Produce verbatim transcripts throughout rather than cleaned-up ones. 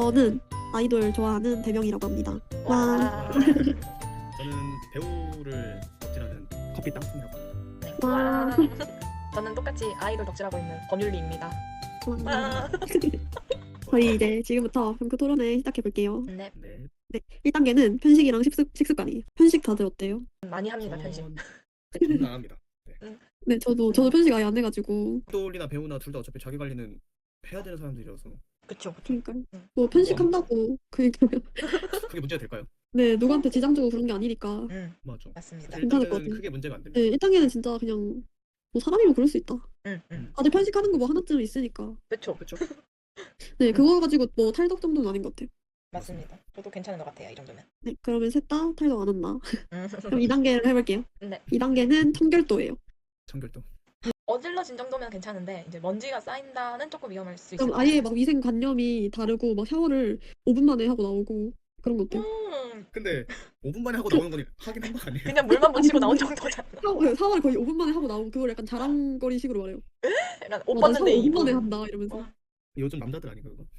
저는 아이돌 좋아하는 대명이라고 합니다. 와. 와. 저는 배우를 덕질하는 커피 땅콩이라고 합니다. 와. 와. 저는 똑같이 아이돌 덕질하고 있는 권율리입니다. 좋아합니다. 와. 저희 이제 지금부터 병크 토론회 시작해 볼게요. 네, 네. 네, 일 단계는 편식이랑 식습, 식습관이에요. 편식 다들 어때요? 많이 합니다 편식. 전- 저는 안 합니다. 네, 저도 저도 편식 아예 안 해가지고. 아이돌이나 배우나 둘 다 어차피 자기 관리는 해야 되는 사람들이라서 그쵸 그쵸. 그러니까 응. 뭐 편식한다고 그니까 그게 문제가 될까요? 네 누구한테 지장 주고 그런 게 아니니까. 응 맞죠. 맞습니다. 사실 괜찮을 것 일단은 같아요. 크게 문제가 안 네, 됩니다. 일 단계는 진짜 그냥 뭐 사람이면 그럴 수 있다. 응 응. 다들 편식하는 거 뭐 하나쯤 있으니까. 그쵸 그렇죠. 네, 그거 가지고 뭐 탈덕 정도는 아닌 것 같아요. 맞습니다. 저도 괜찮은 것 같아요 이 정도면. 네, 그러면 셋 다 탈덕 안 한다. 음. 그럼 이 단계를 해볼게요. 네. 이 단계는 청결도예요. 청결도. 어질러진 정도면 괜찮은데 이제 먼지가 쌓인다는 조금 위험할 수 있을 그럼 것 같아요. 아예 막 위생관념이 다르고 막 샤워를 오 분 만에 하고 나오고 그런 거 어때요? 음, 근데 오 분 만에 하고 나오는 건 하긴 한 거 아니에요? 그냥 물만 묻히고 아니, 나온 근데- 정도잖아. 샤워, 샤워를 거의 오 분 만에 하고 나오고 그걸 약간 자랑거리식으로 말해요. 약간 옷 어, 난 샤워 벗는데 오 분 만에 이 분. 한다 이러면서. 와. 요즘 남자들 아닌가 그거?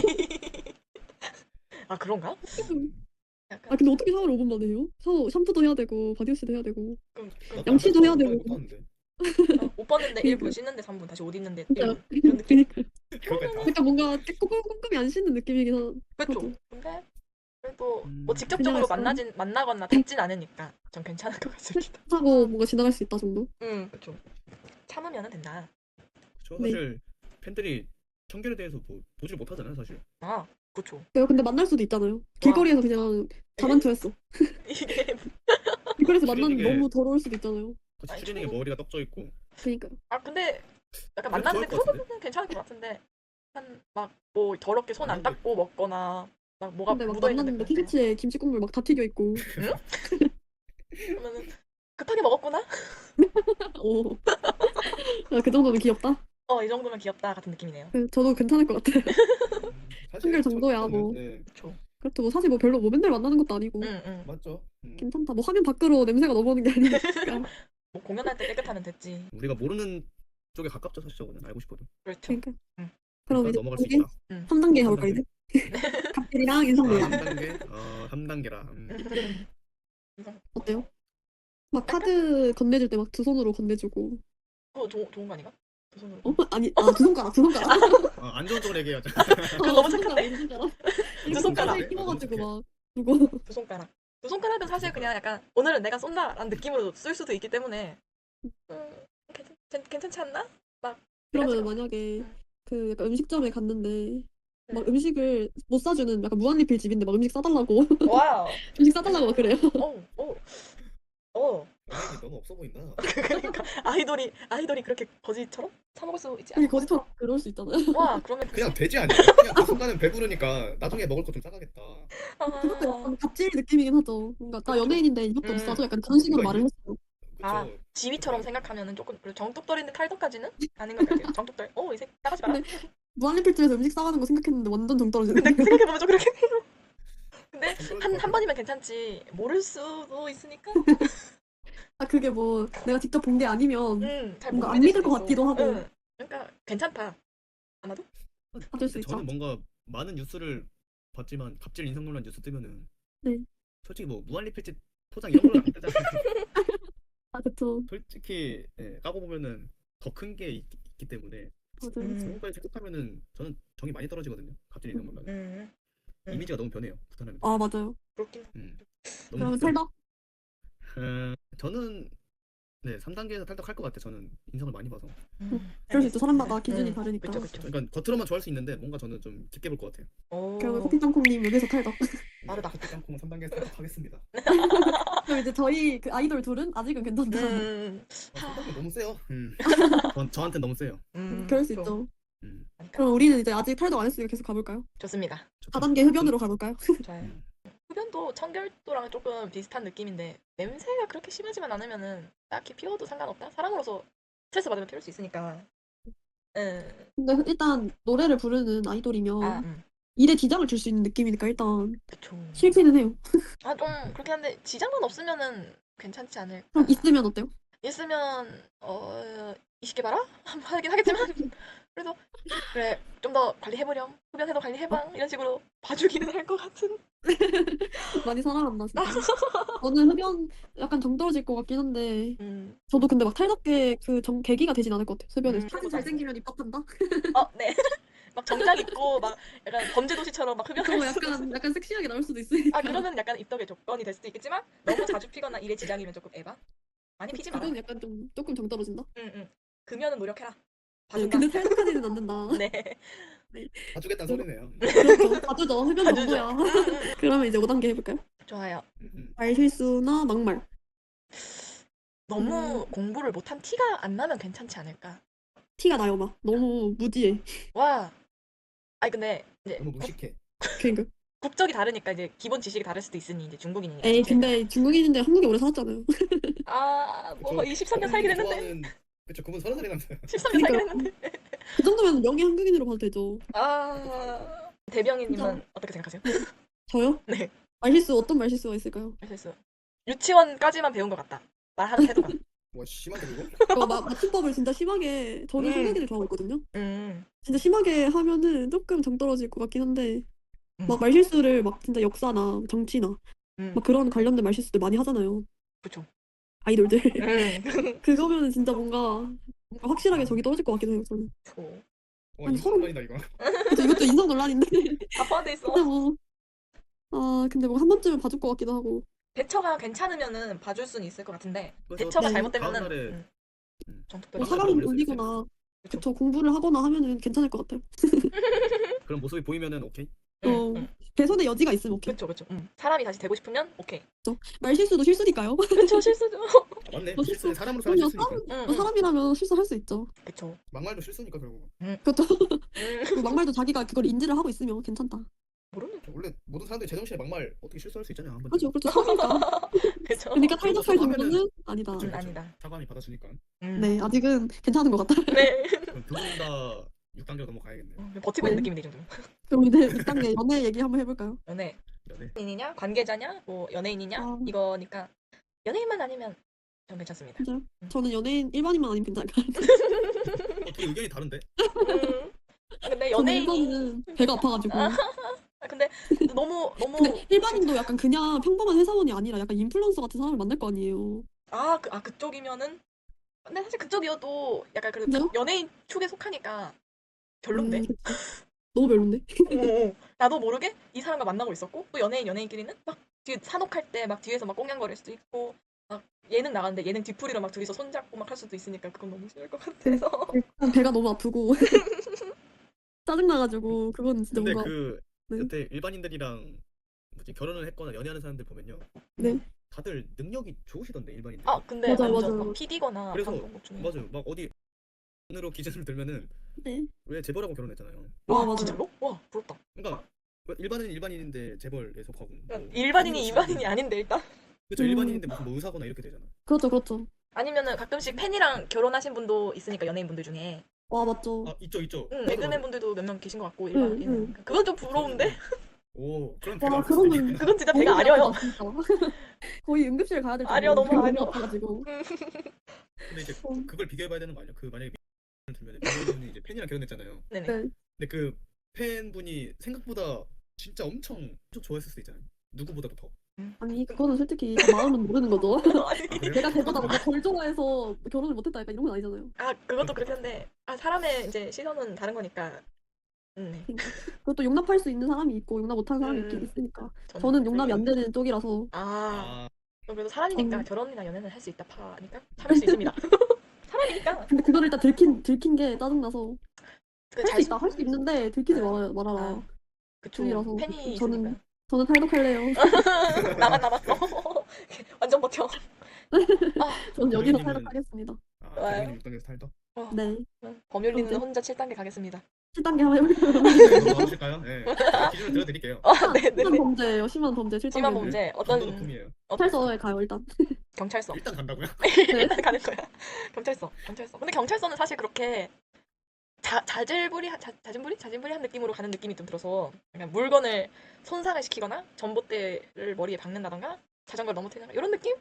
아 그런가? 약간 아 근데 어떻게 샤워를 오 분 만에 해요? 샤워 샴푸도 해야 되고 바디워시도 해야 되고. 좀, 좀 나도 양치도 해야 남자들 되고. 못하는데. 어, 옷 벗는데 일 분, 그러니까요. 씻는데 삼 분, 다시 옷 입는데 일 진짜 분 이런 느낌? 그러니까 그거까지 다. 그러니까 뭔가 꼼꼼- 꼼꼼히 안 씻는 느낌이긴 한. 그쵸? 하죠. 근데 그래도 음, 뭐 직접적으로 그냥 만나진 만나거나 닿진 않으니까 전 괜찮을 것 같습니다. 하고 뭔가 지나갈 수 있다 정도. 응, 그쵸. 참으면은 된다. 그렇죠. 네. 사실 팬들이 청결에 대해서 뭐 보질 못하잖아요 사실. 아, 그쵸. 내가 근데 만날 수도 있잖아요. 길거리에서 그냥 자만투했어. 이게 길거리에서 만나면 추리닝에- 너무 더러울 수도 있잖아요. 같이 아니, 추리닝에 저는- 머리가 떡져 있고. 그러니까. 아 근데 그래도 약간 만났는데 좋을 것 같은데? 그거는 괜찮을 것 같은데 한 막 뭐 더럽게 손 안 아니, 근데- 닦고 먹거나 막 뭐가 근데 막 묻어 있는데 만났는데 티셔츠에 김치 국물 막 다 튀겨 있고. 그러면은 급하게 먹었구나? 오. 아, 그 정도는 귀엽다. 어, 이 정도면 귀엽다 같은 느낌이네요. 네, 저도 괜찮을 것 같아요. 음, 사실 청결 정도야, 청결도는- 뭐. 네, 그쵸. 그렇죠. 뭐 사실 뭐 별로 뭐 맨날 만나는 것도 아니고 응, 응. 맞죠. 음. 괜찮다. 뭐 화면 밖으로 냄새가 넘어오는 게 아니니까. 뭐 공연할 때 깨끗하면 됐지. 우리가 모르는 쪽에 가깝죠 사실 저거는 알고 싶어도. 그렇죠. 그러니까. 응. 그럼 그러니까 이제 넘어갈 수 이게 있다. 삼 단계 삼 가볼까요 단계. 이제? 갑질이랑 아, 인성놀이. 삼 단계? 어, 삼 단계라. 음. 어때요? 막 카드 건네줄 때 막 두 손으로 건네주고. 그거 좋- 좋은 거 아닌가? 두 손으로. 어? 아니, 아, 두 손가락, 두 손가락. 어, 안 좋은 쪽으로 얘기해야죠. 그거 너무 두 착한데? 손가락, 두 손가락. 두 이렇게 손가락. 손가락에 끼워가지고 너무 막 두고. 두 손가락. 두 손가락은 사실 그냥 약간 오늘은 내가 쏜다라는 느낌으로 쓸 수도 있기 때문에 음, 괜찮, 괜- 괜찮지 않나? 그러면 그래가지고. 만약에 응. 그 약간 음식점에 갔는데 막 응. 음식을 못 사주는 약간 무한리필 집인데 막 음식 싸달라고 와우. 음식 싸달라고 막 그래요. 오, 오, 오. 연예인이 너무 없어 보인다. 그러니까 아이돌이 아이돌이 그렇게 거지처럼 사 먹을 수 있지 그게 않아? 거짓말 그럴 수 있잖아요. 와, 그러면 그냥 돼지 아니야? 그냥 그 순간은 배부르니까 나중에 먹을 거 좀 싸가겠다. 그것도 아, 약간 갑질 느낌이긴 하죠. 뭔가 나 그쵸. 연예인인데 이것도 음. 비싸죠. 약간 그런 식으로 그러니까 말을 했어요. 그쵸? 아, 지위처럼 생각하면은 조금 그리고 정뚝떨이인데 탈덕까지는 아닌 것 같아요. 정뚝떨. 어, 이제 나가지 마라. 근데 무한리필 집에서 음식 싸가는 거 생각했는데 완전 정 떨어지는. 근데 생각해보면 좀 그렇게 해요. 근데 좀 한, 떨어질 한 것 번이면 괜찮지. 모를 수도 있으니까. 아 그게 뭐 내가 직접 본 게 아니면 음, 잘 뭔가 못 안 믿을 믿을 수도 것 있어. 같기도 하고. 응. 그러니까 괜찮다. 아마도? 받을 수 근데 있죠. 저는 뭔가 많은 뉴스를 봤지만 갑질 인상 논란 뉴스 뜨면은 네. 솔직히 뭐 무한리필집 포장 이런 걸안 뜨잖아요. 아 그쵸. 솔직히 예, 까고 보면은 더 큰 게 있기 때문에 맞아요. 음. 그런 거까지 생각하면은 저는 정이 많이 떨어지거든요. 갑질 인상 논란. 음. 음. 이미지가 너무 변해요. 부탄하면. 아 맞아요. 그렇긴. 음. 그러면 너무 탈덕? 어, 저는 네 삼 단계에서 탈덕할 것 같아. 저는 인상을 많이 봐서. 음. 그럴 수 있죠. 사람마다 기준이 음. 다르니까. 그쵸, 그쵸. 그러니까 겉으로만 좋아할 수 있는데 뭔가 저는 좀 깊게 볼 것 같아요. 그러면 오. 커피 땅콩님 여기서 탈덕. 빠르다. 커피 땅콩은 삼 단계에서 탈덕하겠습니다. 그럼 이제 저희 그 아이돌 둘은 아직은 괜찮다. 음. 아, 삼 단계 너무 세요. 음. 저, 저한테 너무 세요. 음. 그럴 수 좀. 있죠. 음. 그러니까. 그럼 우리는 이제 아직 탈덕 안 했으니까 계속 가볼까요? 좋습니다. 사 단계 흡연으로 가볼까요? 좋아요. 음. 흡연도 청결도랑 조금 비슷한 느낌인데 냄새가 그렇게 심하지만 않으면은 딱히 피워도 상관없다. 사람으로서 스트레스 받으면 피울 수 있으니까. 음. 근데 일단 노래를 부르는 아이돌이면 아, 음. 일에 지장을 줄 수 있는 느낌이니까 일단 그쵸. 싫기는 해요. 아, 좀 그렇긴 한데 지장만 없으면은 괜찮지 않을까. 그럼 있으면 어때요? 있으면 어 이십 개 봐라? 하긴 하겠지만 그래서 그래 좀 더 관리해보렴. 흡연해도 관리해봐. 이런 식으로 봐주기는 할 것 같은. 많이 살아간다 진짜. 저는 흡연 약간 정 떨어질 것 같긴 한데 음, 저도 근데 막 탈덕계 그 정 계기가 되진 않을 것 같아요. 흡연에서. 음, 사진 잘생기면 입덕한다? 어, 네. 막 정장 입고 막 약간 범죄도시처럼 막 흡연할 그거 수도 있어. 약간 약간 섹시하게 나올 수도 아 있으니까. 그러면 약간 입덕의 조건이 될 수도 있겠지만 너무 자주 피거나 일에 지장이면 조금 에바. 많이 피지 마라. 그건 약간 좀 조금 정 떨어진다. 응, 응. 금연은 노력해라. 네, 봐준다. 근데 탈덕하지는 않는다. 네. 네. 봐주겠다는 그러- 소리네요. 그렇죠. 봐주죠. 흡연 봐주죠. 정도야. 응, 응. 그러면 이제 오 단계 해볼까요? 좋아요. 음, 음. 말실수나 막말. 너무 음, 공부를 못한 티가 안 나면 괜찮지 않을까? 티가 나요, 막. 너무 무지해. 와. 아니 근데 이제 너무 국, 무식해. 그러니까. 국적이 다르니까 이제 기본 지식이 다를 수도 있으니 이제 중국인이니까 에이, 자체가. 근데 중국인인데 한국에 오래 살았잖아요. 아, 뭐 그쵸. 이십삼 년 살긴 했는데. 좋아하는 그쵸. 그분 서른 살이라면서요. 십삼 년 살긴 그러니까 했는데. 그 정도면 명예 한국인으로 봐도 되죠. 아, 진짜. 대병이님은 어떻게 생각하세요? 네. 저요? 네. 말실수, 어떤 말실수가 있을까요? 그래서 유치원까지만 배운 것 같다. 말하는 태도가. 뭐 심한데 그거? 그 마, 맞춤법을 진짜 심하게, 저는 음, 한국인을 좋아하고 있거든요. 음, 진짜 심하게 하면은 조금 정 떨어질 것 같긴 한데, 음, 막 말실수를 막 진짜 역사나 정치나, 음, 막 그런 관련된 말실수들 많이 하잖아요. 그쵸. 아이돌들. 음, 그거면은 진짜 뭔가, 뭔가 확실하게 정이 떨어질 것 같긴 해요, 저는. 오. 와 아니, 인성 서로, 논란이다 이거. 그쵸, 이것도 인성 논란인데. 다 포함돼 있어. 근데 뭐, 아, 근데 뭐 한 번쯤은 봐줄 것 같기도 하고. 대처가 괜찮으면은 봐줄 수는 있을 것 같은데 그래서 대처가 네. 다음 잘못되면은 날에 음, 음, 정톡도 뭐 다음 날에 사람을 바로 올릴 수 있어요. 놀리거나, 그쵸. 그쵸, 공부를 하거나 하면은 괜찮을 것 같아요. 그런 모습이 보이면은 오케이. 응, 어, 응. 개선의 여지가 있으면 오케이. 그쵸, 그쵸. 음. 사람이 다시 되고 싶으면 오케이. 그쵸? 말실수도 실수니까요. 그쵸, 실수죠. 맞네. 뭐 실수는 실수, 사람으로서 하는 그럼요. 실수니까. 응, 뭐 응. 사람이라면 실수할 수 있죠. 그쵸. 막말도 실수니까 결국. 음, 그것도 음. 그리고 막말도 자기가 그걸 인지를 하고 있으면 괜찮다. 모르는. 원래 모든 사람들이 제정신에 막말 어떻게 실수할 수 있잖아요 한 그렇죠, 번쯤. 그렇죠. 처음이니까. 그쵸. 그러니까 그러고 탈덕할 사과하면은 정도는 아니다. 그쵸 음, 그쵸. 아니다. 사과함이 받았으니까. 음. 네, 아직은 괜찮은 것 같다. 네. 그럼 두 분 다 육 단계로 넘어가야겠네요. 음, 버티고 있는 네. 느낌인데 이 정도면. 그럼 이제 육 단계 연애 얘기 한번 해볼까요? 연애. 연애. 연예인이냐, 관계자냐, 뭐 연예인이냐 아, 이거니까 연예인만 아니면 전 괜찮습니다. 진짜요? 음. 저는 연예인 일반인만 아니면 괜찮을 것 같아요. 어 되게 의견이 다른데? 음. 아, 근데 저는 연예인이 일반인은 배가 아파가지고. 아, 근데 너무 너무 근데 일반인도 약간 그냥 평범한 회사원이 아니라 약간 인플루언서 같은 사람을 만날 거 아니에요. 아, 그, 아 그쪽이면은 근데 사실 그쪽이어도 약간 그래도 진짜요? 연예인 축에 속하니까 별론데. 음, 그쵸. 너무 별론데? 오, 나도 모르게 이 사람과 만나고 있었고 또 연예인 연예인끼리는 막 뒤에 산옥할 때 막 뒤에서 막 꽁냥거릴 수도 있고 막 예능 나가는데 예능 뒤풀이로 막 둘이서 손잡고 막 할 수도 있으니까 그건 너무 싫을 것 그- 같아서. 일단 배가 너무 아프고 짜증나가지고 그건 진짜 근데 뭔가 그 네, 여태 일반인들이랑 뭐지 결혼을 했거나 연애하는 사람들 보면요. 네. 다들 능력이 좋으시던데 일반인들. 아 근데 맞아요, 완전 맞아요. 막 피디거나 그래서 방송국 중에 맞아요. 막 어디 으로 기준을 들면은 네. 왜 재벌하고 결혼했잖아요. 와, 와 맞아요. 진짜로? 와 부럽다. 그러니까 일반인은 일반인인데 재벌에 속하고 뭐 일반인이 팬이고 일반인이 직업은- 아닌데 일단 그쵸 음. 일반인인데 무슨 뭐 의사거나 이렇게 되잖아. 그렇죠, 그렇죠. 아니면은 가끔씩 팬이랑 결혼하신 분도 있으니까 연예인 분들 중에 와, 맞죠. 아 있죠 있죠. 응 맞아, 개그맨 맞아. 분들도 몇 명 계신 것 같고 응, 일반인 응. 그건 좀 부러운데 오 그럼 배가 와, 아플 수도 그러면 있겠구나. 그건 진짜 너무 배가 배 아려요. 아프다, 진짜. 거의 응급실 가야 될 아려 정도로 너무 배가 아려. 너무 아파가지고. 근데 이제 어, 그걸 비교해봐야 되는 거 아니야? 그 만약에 들면 민호분이 이제 팬이랑 결혼했잖아요. 네네. 네. 근데 그 팬분이 생각보다 진짜 엄청 엄청 좋아했을 수도 있잖아요. 누구보다도 더. 아니, 그거는 솔직히 다 마음은 모르는 거죠. 아니 아 그래요? 내가 걔보다 뭔가 덜 좋아해서 결혼을 못했다, 약간 이런 건 아니잖아요. 아 그것도 그렇긴 한데 아 사람의 이제 시선은 다른 거니까. 음, 네. 그러니까. 그것도 용납할 수 있는 사람이 있고, 용납 못하는 사람이 있긴 음, 있으니까. 저는 저는 용납이 안 되는 쪽이라서. 아 아 그래도 사람이니까 전, 결혼이나 연애는 할 수 있다 파니까 참을 수 있습니다. 사람이니까 근데 그걸 일단 들킨, 들킨 게 짜증나서. 할 수 그잘 있다, 할 수 있는데 들키지 아, 말아라, 말아라. 아 그쵸 주의라서. 팬이 있으니까 저는, 저는 탈덕할래요. 나만 남았어. 완전 버텨. 아 저는 여기서 대변인님은 탈덕하겠습니다. 아 좋아요. 대변인 육 단계에서 탈덕. 어, 네. 범율리는 그럼 혼자 칠 단계 가겠습니다. 칠 단계 한번 해볼까요? 넘어가 보실까요? 네. 제가 기준을 들어드릴게요. 아 심한 네네네. 범죄예요, 심한 범죄 칠 심한 단계는. 범죄 감도 어떤 높음이에요. 어, 경찰서에 가요, 일단. 경찰서. 일단 간다고요? 네. 일단 가는 거야. 경찰서. 경찰서. 근데 경찰서는 사실 그렇게 자, 자질부리 자, 자진부리 자진부리한 느낌으로 가는 느낌이 좀 들어서 그냥 물건을 손상을 시키거나 전봇대를 머리에 박는다던가 자전거를 넘어뜨리거나 이런 느낌?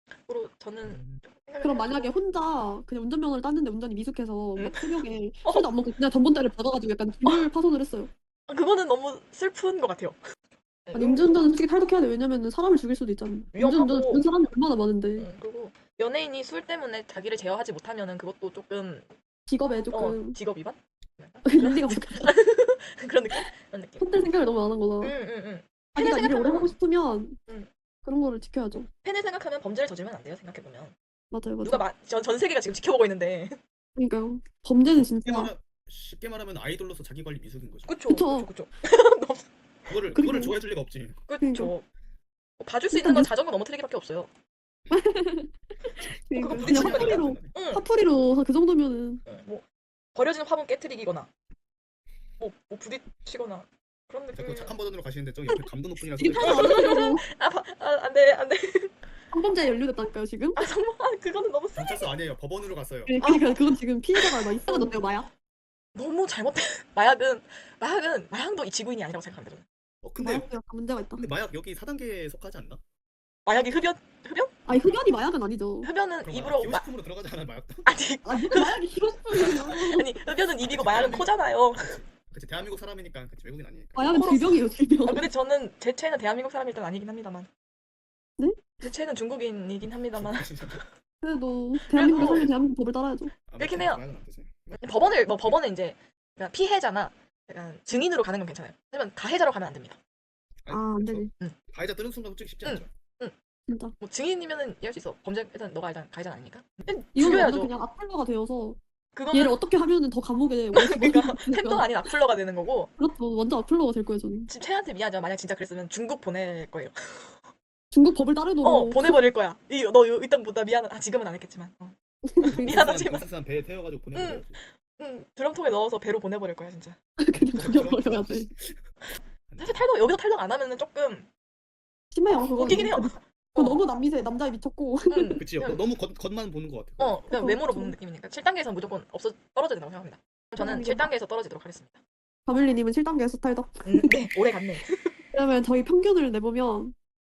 그리고 저는 음, 생각을 그럼 해가지고- 만약에 혼자 그냥 운전면허를 땄는데 운전이 미숙해서 응? 막 새벽에 어. 술도 안 먹고 그냥 전봇대를 박아가지고 약간 기물 파손을 했어요. 아, 그거는 너무 슬픈 것 같아요. 아니 음주운전은 솔직히 탈덕해야 돼. 왜냐면은 사람을 죽일 수도 있잖아. 위험하고. 음주운전 죽는 사람이 얼마나 많은데 음, 그리고 연예인이 술 때문에 자기를 제어하지 못하면은 그것도 조금 직업에 어 조금 직업 위반? 윤리가 부족하다. 그런 느낌? 그런 느낌. 헛될 생각을 너무 안 한 거다. 응응응. 자기가 일을 오래 생각하면- 하고 싶으면 응. 그런 거를 지켜야죠. 팬을 생각하면 범죄를 저지르면 안 돼요. 생각해 보면 맞아요, 맞아요. 누가 마, 전, 전 세계가 지금 지켜보고 있는데. 그러니까요. 범죄는 쉽게, 진짜 말하, 쉽게 말하면 아이돌로서 자기 관리 미숙인 거죠. 그쵸 그쵸. 그쵸 그쵸. 그거를 그리고- 그거를 좋아해 줄 리가 없지. 그쵸. 뭐 봐줄 수 일단 있는 건 뉴스- 자전거 넘어뜨리기밖에 없어요. 그러니까 그거 그냥 부딪히는 화풀이로 응. 화풀이로 그 정도면은 응, 뭐 버려진 화분 깨뜨리기거나 뭐, 뭐 부딪히거나 그런 자꾸 느낌. 착한 버전으로 가시는데 저기 옆에 감도 높은이라서 지금 하나 안 하려고 아, 바- 아 안돼 안돼. 성범죄에 연루됐다니까요 지금. 아 정말 아, 그거는 너무 쓰- 경찰서 아니에요. 법원으로 갔어요. 그러니까 그건 지금 피해자가 막 이상해졌대요 마약. 너무 잘못된 마약은 마약은 마약도 이 지구인이 아니라고 생각합니다. 저는. 어 근데 마약이 약간 문제가 있다. 근데 마약 여기 사 단계에 속하지 않나? 마약이 흡연 흡연 아니 흡연이 마약은 아니죠. 흡연은 그럼 입으로 마, 기호식품으로 들어가지 않아 마약도? 아니 아니 마약이 기호식품이에요. 아니 흡연은 입이고 마약은 코잖아요. 그치 대한민국 사람이니까 그치 외국인 아니니까. 마약은 코로- 질병이에요 질병. 아, 근데 저는 제 최애는 대한민국 사람일 땐 아니긴 합니다만. 네? 제 최애는 중국인이긴 합니다만. 그래도 대한민국에 살면 대한민국 법을 따라야죠. 아, 그렇긴 맞지. 해요. 마약은 안 되지. 법원을 뭐 법원에 이제 그냥 피해자나 약간 증인으로 가는 건 괜찮아요. 하지만 가해자로 가면 안 됩니다. 아니, 아, 안 그쵸. 되지. 가해자 뜨는 순간 솔직히 쉽지 응. 않죠. 진짜. 뭐 증인이면은 이해할 수 있어. 범죄 일단 너가 일단 가해자 아닙니까? 이거는 죽여야죠. 완전 그냥 악플러가 되어서 그거는 얘를 어떻게 하면은 더 감옥에 오래 그러니까 집어넣을 수 팬더가 아닌 악플러가 되는 거고. 그렇죠. 완전 악플러가 될 거예요 저는. 지금 최애한테 미안하지만 만약 진짜 그랬으면 중국 보낼 거예요. 중국 법을 따르도록. 어 보내버릴 거야. 이너 일단 보다 미안해. 아 지금은 안 했겠지만. 어. 미안하지만. 부산 배 태워가지고 보내면 응 드럼통에 넣어서 배로 보내버릴 거야 진짜. 그냥 죽여버려야 돼. 사실 탈덕 여기서 탈덕 안 하면은 조금 심해요 그거. 웃기긴 해요. 그거 너무 남미세 남자에 미쳤고. 응. 그치요. 그냥, 너무 겉, 겉만 보는 것 같아. 어 그냥 그쵸, 외모로 그쵸. 보는 느낌이니까 칠 단계에서 무조건 없어 떨어져야 된다고 생각합니다. 저는 그럼 칠 이게 단계에서 떨어지도록 하겠습니다. 가밀리님은 칠 단계에서 탈덕. 음, 네 오래 갔네. 그러면 저희 평균을 내보면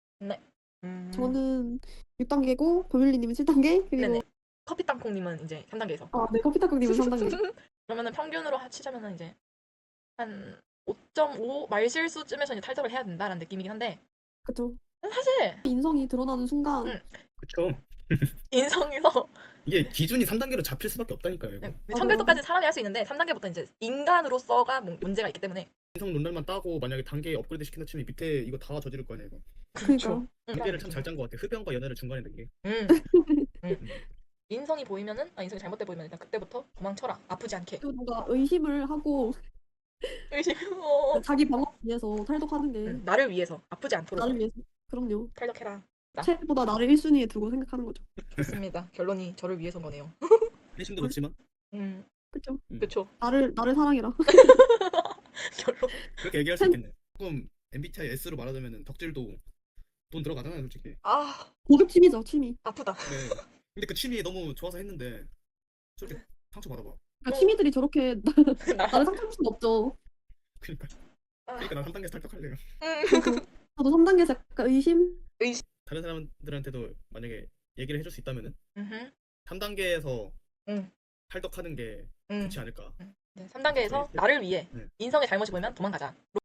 음, 저는 육 단계고 가밀리님은 칠 단계 그리고 네네. 커피 땅콩님은 이제 삼 단계에서. 아, 네 커피타국님은 삼 단계. 그러면은 평균으로 치자면은 이제 한 오 점 오 말실수쯤에서 이제 탈덕을 해야 된다라는 느낌이긴 한데 그쵸. 사실 인성이 드러나는 순간 응. 그쵸. 인성에서 이게 기준이 삼 단계로 잡힐 수밖에 없다니까요. 이거. 청결도까지 사람이 할 수 있는데 삼 단계부터 이제 인간으로서가 문- 문제가 있기 때문에 인성 논란만 따고 만약에 단계 업그레이드 시킨다 치면 밑에 이거 다 저지를 거 아니야 이거. 그러니까 단계를 참 잘 짠 것 같아. 흡연과 연애를 중간에 넣은 게. 음. 음. 인성이 보이면은 아 인성이 잘못돼 보이면 일단 그때부터 도망쳐라. 아프지 않게. 또 누가 의심을 하고 의심. 어. 자기 방어를 위해서 탈덕하는 게 음, 나를 위해서 아프지 않도록 나를 위해서. 그럼요. 탈덕해라. 책보다 나를 일 순위에 두고 생각하는 거죠. 좋습니다. 결론이 저를 위해서인 거네요. 회심도 좋지만 음, 그쵸. 그쵸. 나를 나를 사랑해라. 결론. 그렇게 얘기할 수 있겠네. 조금 엠비티아이 S로 말하자면은 덕질도 돈 들어가잖아요 솔직히. 아 고급 취미죠 취미. 아프다. 네. 근데 그 취미 너무 좋아서 했는데 솔직히 상처 받아봐. 그러니까 취미들이 저렇게 나. 나를 상처줄 수는 없죠. 그러니까 아, 그러니까 난 삼 단계에서 탈덕할래요. 음. 그래서 저도 삼 단계에서 약간 의심. 다른 사람들한테도 만약에 얘기를 해줄 수 있다면은 음흠. 삼 단계에서 응. 탈덕하는 게 음. 좋지 않을까. 네, 삼 단계에서 저희- 나를 위해 네. 인성의 잘못이 보이면 도망가자.